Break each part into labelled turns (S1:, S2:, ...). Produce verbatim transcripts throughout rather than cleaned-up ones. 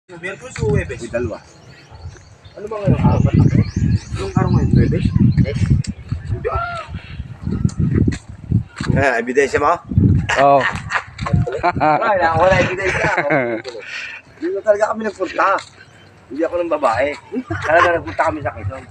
S1: Merkulis o Webes? May dalawa. Ano ba ngayon? Apat ako. Anong araw ngayon? Webes? Yes. Hindi ah. Ah, ebidensya mo?
S2: Oo.
S1: Wala, wala ebidensya. Hindi na talaga kami nagpunta. Hindi ako ng babae. Talaga nagpunta kami sa Quezon.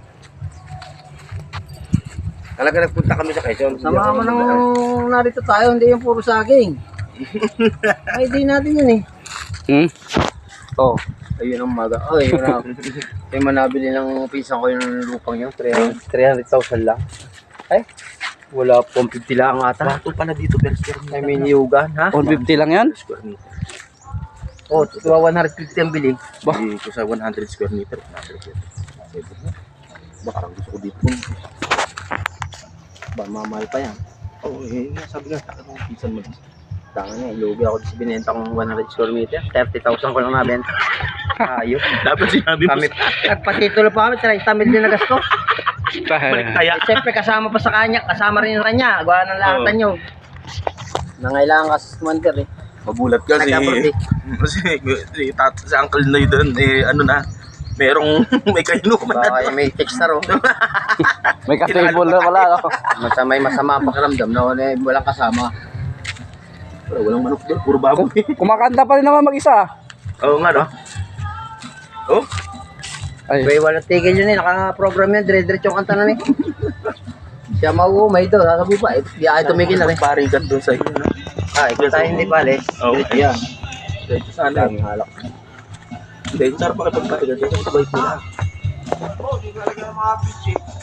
S1: Talaga nagpunta kami sa Quezon.
S3: Sama mo nang narito tayo, hindi yung puro saging. Ay, di natin yun eh.
S2: Hmm?
S3: Oh, ayun ang maga. Oh, yun na. Yung manabili ng pinsan ko yung lupang yun, three hundred thousand lang. Ay, wala pong fifty lang ata.
S1: Bato pala dito per square meter.
S3: I mean, yugan, ha?
S2: one fifty lang yan?
S1: Square meter.
S3: Oh, tuwa one hundred fifty ang bili.
S2: Bah.
S1: Hindi ko sa one hundred square meter. one hundred meter. Baka lang gusto ko dito.
S3: Ba, mamahal pa yan.
S1: Oo, oh, eh, sabi nga, takot ng pinsan mo.
S3: Tanga niya, ilugi ako sa binenta kong one hundred square meter. thirty thousand ko lang nabenta. Ayos.
S1: Dapat sinabi mo
S3: Kami, nagpatitulo pa kami, thirty mil din na gasto.
S1: balik kaya.
S3: Eh, siyempre, kasama pa sa kanya, kasama rin yung kanya. Gawa ng lahatan nyo. Nangailangan kasi sa commander eh.
S1: Magulat kasi.
S3: Nag-approve eh.
S1: Kasi si, tat, si Uncle Noy doon, eh, ano na, merong may kainuman na
S3: Baka
S1: doon.
S3: may texter oh.
S2: May ka-table na wala, no?
S3: Masamay masama ang pakiramdam na wala, walang kasama.
S1: Wala, walang manok doon, puro baboy.
S2: Kumakanta pa rin naman mag-isa.
S1: Oo nga, no? Oh?
S2: Ay,
S3: May walang tigil yun eh, naka-program yun, dire-diretso yung kanta na eh. Siya mauumay doon, sasabi pa, eh, di ay tumigil na eh.
S1: Parigat doon sa iyo, no?
S3: Ah, ikaw tayo hindi pala eh.
S1: Oo, ayan. Dito sana.
S3: Daming halak.
S1: Hindi, sarap makipagparigat. Dito sa bike nila.
S3: Oo, di talaga mga pitch eh.